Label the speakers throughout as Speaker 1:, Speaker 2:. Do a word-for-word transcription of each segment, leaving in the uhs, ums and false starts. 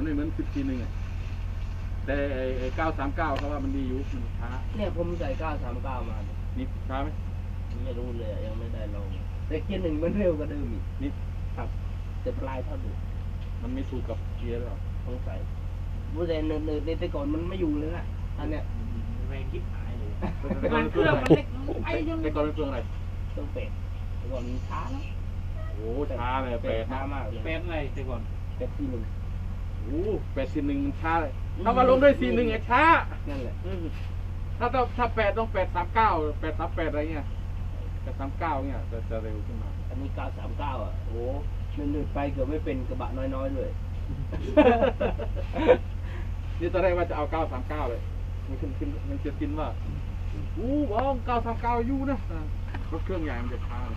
Speaker 1: มันไม่เหมือนสิบทีหนึ่งแต่ไอ้เก้าสามเก้าเขาว่ามันดีอยู่มันช้า
Speaker 2: เนี่ยผมใส่เก้าสามเก้ามา
Speaker 1: นี่ช้าไหม
Speaker 2: ไม่รู้เลยยังไม่ได้ลองแต่เกียร์หนึ่งมันเร็วกว่าเดิมอีก
Speaker 1: นี่
Speaker 2: ครับแต่ปลายเท่าเดิม
Speaker 1: มันไม่ถูกกับเกียร์หรอ
Speaker 2: ต้องใส่บูเดนเนินในแต่ก่อนมันไม่อยู่เลยนะอันเนี้ย
Speaker 3: แรงคิดหายเลย
Speaker 1: แต่ก่อนเป็นเครื่องอะไรแต่ก่อนเป็นเครื่องอะไร
Speaker 2: ต้องเป็ดแต่ก่อนมันช้านะ
Speaker 1: โอ้ช้าเลยแปด
Speaker 2: ช้ามากเลย
Speaker 3: แปดอะไรแต่ก่อน
Speaker 2: แปดทีหนึ่ง
Speaker 1: โอ้แปดทีหนึ่งมันช้าเลยถ้ามาลงด้วยทีหนึ่งไอ้ช้า
Speaker 2: นั่นแหละ
Speaker 1: ถ้าต้องถ้าแปดต้องแปดสามเก้าแปดสามแปดอะไรเงี้ยแปดสามเก้าเนี่ยจะจะเร็วขึ้นมา
Speaker 2: อันนี้เก้าสามเก้าอ่ะโอ้หนึ่งๆไปเกือบไม่เป็นกระบะน้อยๆเลย
Speaker 1: นี่ตอนแรกว่าจะเอาเก้าสามเก้าเลยมันขึ้นขึ้นมันจะกินว่าอู้ว้าวเก้าสามเก้าอยู่นะรถเครื่องใหญ่มันจะช้าเลย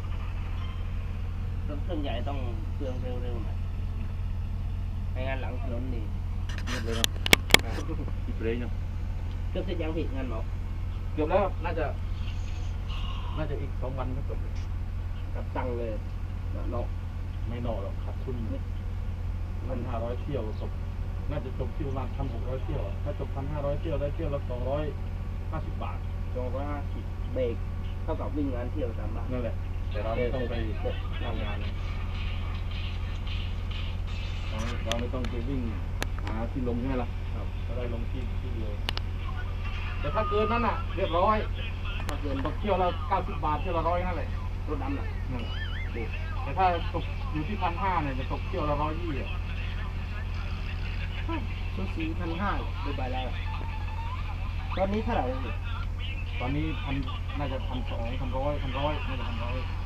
Speaker 2: รถเครื่องใหญ่ต้องเครื่องเร็วๆหน่อยไม่งั้นหลังถนนนี่
Speaker 1: เงียบเลยเนาะอีกเลยเนาะ
Speaker 2: เกือบจะยังผิดงานหรอ
Speaker 1: เกือบแล้วน่าจะน่าจะอีกสองวันก็จบ
Speaker 2: กับตังเลยเนาะ
Speaker 1: ไม่นอหรอกขาดทุนพันห้าร้อยเที่ยวจบน่าจะจบที่ประมาณพันหกร้อยเที่ยวถ้าจบพันห้าร้อยเที่ยวได้เที่ยวละสองร้อยห้าสิบบาท
Speaker 2: สองร้อยห้าสิบเบรกเท่ากับวิ่งงานเที่ยวตามบ้าน
Speaker 1: นั่นแหละแต่เราไม่ต้องไปทำงานเราไม่ต้องไปวิ่งหาที่ลงใช่ไหมล่ะครับก็ได้ลงที่ที่เดียวแต่ถ้าเกินนั้นอ่ะเรียบร้อยถ้าเกินตกเที่ยวละเก้าสิบบาทเที่ยวละร้อยนั่นแหละ
Speaker 2: รถดำน่ะ
Speaker 1: นั่นแหละแต่ถ้าตกอยู่ที่พันห้าเนี่ยจะตกเที่ยวละร้อยยี่อ่ะ
Speaker 2: ชุดสีพันห้าดูใบแล้วตอนนี้เท่าไหร่เลย
Speaker 1: ตอนนี้พันน่าจะพันสองพันร้อยพันร้อยน่าจะพันร้อย